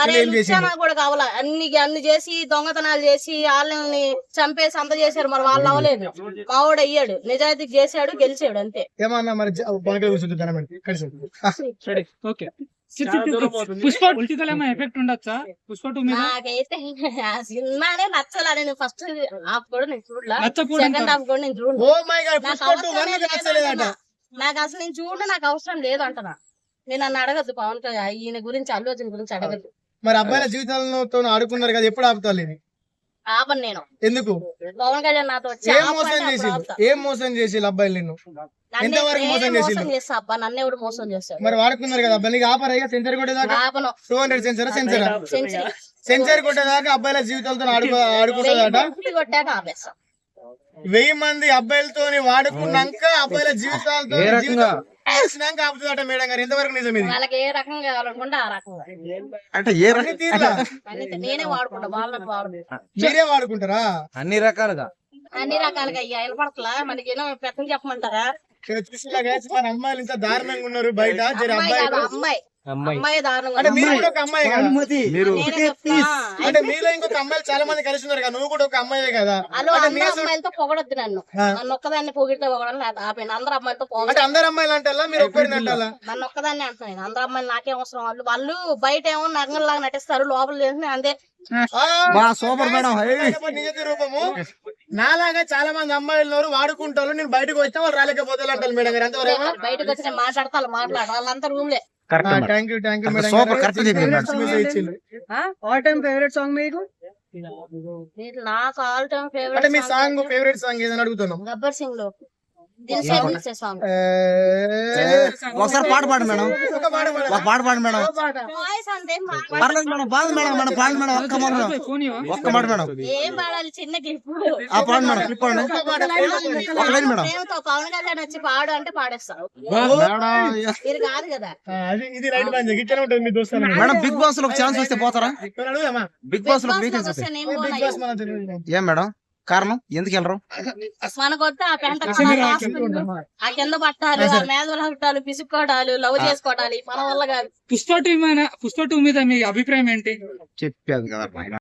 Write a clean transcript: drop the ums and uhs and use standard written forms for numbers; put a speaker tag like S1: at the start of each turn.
S1: కూడా కావాలా అన్ని చేసి దొంగతనాలు చేసి వాళ్ళని చంపేసి అంత చేశారు, మరి వాళ్ళు అవ్వలేదు. మావాడు అయ్యాడు, నిజాయితీకి చేశాడు, గెలిచాడు అంతే.
S2: ఏమన్నా మరి
S1: నాకైతే ఆ సినిమానే నచ్చలే. నేను ఫస్ట్ హాఫ్ కూడా నేను చూడలా, సెకండ్ హాఫ్ కూడా నేను చూడలా. నాకు అసలు నేను చూడ నాకు అవసరం లేదు అంటనా. నేను నన్ను అడగద్దు పవన్ కళ్యాణ్ ఈయన గురించి, అల్లు అర్జున్ గురించి అడగద్దు.
S2: మరి అబ్బాయిల జీవితాలతో ఆడుకున్నారు కదా, ఎప్పుడు ఆపుతారు ఇది?
S1: ఆపను నేను.
S2: ఎందుకు?
S1: పవన్ కళ్యాణ్ నాతో వచ్చి
S2: ఏం మోసం చేసి అబ్బాయిలు నిన్ను ఎంతవరకు మోసం
S1: చేస్తా అబ్బా, నన్ను ఎవడు మోసం చేస్తాడు?
S2: మరి వాడుకున్నారు కదా అబ్బాయి, ఆపరా సెంచరీ కొట్టేదాకా? 200 సెంచరీ కొట్టేదాకా అబ్బాయిల జీవితాలతో ఆడుకుంటాడట.
S1: కొట్టాక ఆపేస్తా.
S2: 1000 మంది అబ్బాయిలతో వాడుకున్నాక అబ్బాయిల జీవితాలతో ఆపుతుందట మేడం గారు. ఎంతవరకు నిజం ఇది?
S1: వాళ్ళకి ఏ రకంగా కావాలనుకుంటే ఆ రకంగా
S3: అంటే ఏ రకంగా
S1: నేనే వాడుకుంటా, వాళ్ళకి వాడుకుంటా.
S2: మీరే వాడుకుంటారా?
S3: అన్ని రకాలుగా
S1: అయ్యా వినపడతలా మనకి ఏమో పెద్ద చెప్పమంటారా?
S2: చూసిలాగా మన అమ్మాయిలు ఇంత దారుణంగా ఉన్నారు బయట.
S1: అమ్మాయి దారుణంగా.
S2: అంటే మీరు కూడా ఒక అమ్మాయి కదా, అంటే మీలో ఇంకొక అమ్మాయిలు చాలా మంది కలిసి ఉన్నారు కదా, నువ్వు కూడా ఒక అమ్మాయే కదా.
S1: అమ్మాయిలతో పొగడొద్దు నన్ను ఒక్కదాన్ని పొగిడితే పొగడం లేదు, ఆపేను. అందరు అమ్మాయిలతో
S2: అంటే అందరు అమ్మాయిలు అంటారా, మీరు ఒక్కరిని అంటారా?
S1: నన్ను ఒక్కదాన్ని అంటున్నాను. అందరు అమ్మాయిలు నాకే అవసరం. వాళ్ళు బయట ఏమో నగంలాగా నటిస్తారు, లోపల చేసిన అంతే.
S3: సూపర్ మేడం
S2: నిజ రూపము. నాలాగా చాలా మంది అమ్మాయిలు వాడుకుంటారు, నేను బయటకు వచ్చినా వాళ్ళు రాలేకపోతే అంటారు మేడం గారు. ఎంతవరకు?
S1: బయటకు వచ్చి మాట్లాడతా మాట్లాడాలి, వాళ్ళంతా రూమ్ లే.
S2: Thank you madam.
S4: All time favourite song మీకు?
S1: నాకు ఆల్ టైమ్ ఫేవరెట్
S2: అంటే మీ సాంగ్ ఫేవరెట్ సాంగ్ ఏదని అడుగుతున్నాం.
S1: గబ్బర్ సింగ్ లో సాంగ్.
S3: ఒకసారి పాట పాడు మేడం, ఒక పాట పాడు మేడం.
S1: వాయిస్ అంతే
S3: పర్లేదు మేడం, బాగుంది మేడం. మన పాడు మేడం, ఒక్క మాట మేడం, ఒక్క మాట మేడం.
S1: ఏం పాడాలి? చిన్న క్లిప్.
S3: ఆ పాడు మేడం, క్లిప్ పాడు. ఒక లైన్ మేడం.
S1: పవన్ కళ్యాణ్ వచ్చి పాడు అంటే పాడేస్తాను. మీరు కాదు కదా.
S2: ఇది రైట్ బాగా గిట్టనే ఉంటుంది మీ దోస్తులు.
S3: మేడం బిగ్ బాస్ లో ఒక ఛాన్స్ వస్తే పోతారా? బిగ్ బాస్ లో ఏం మేడం కారణం? ఎందుకు వెళ్ళరు?
S1: మనకొస్తే ఆ పెంట ఆ కింద పట్టాలు, ఆ మేధలు హట్టాలు, పిసుక్కోటాలు, లవ్ చేసుకోవటాలు మన వల్ల కాదు.
S4: పుష్ప 2 మీద మీ అభిప్రాయం ఏంటి?
S3: చెప్పాను కదా.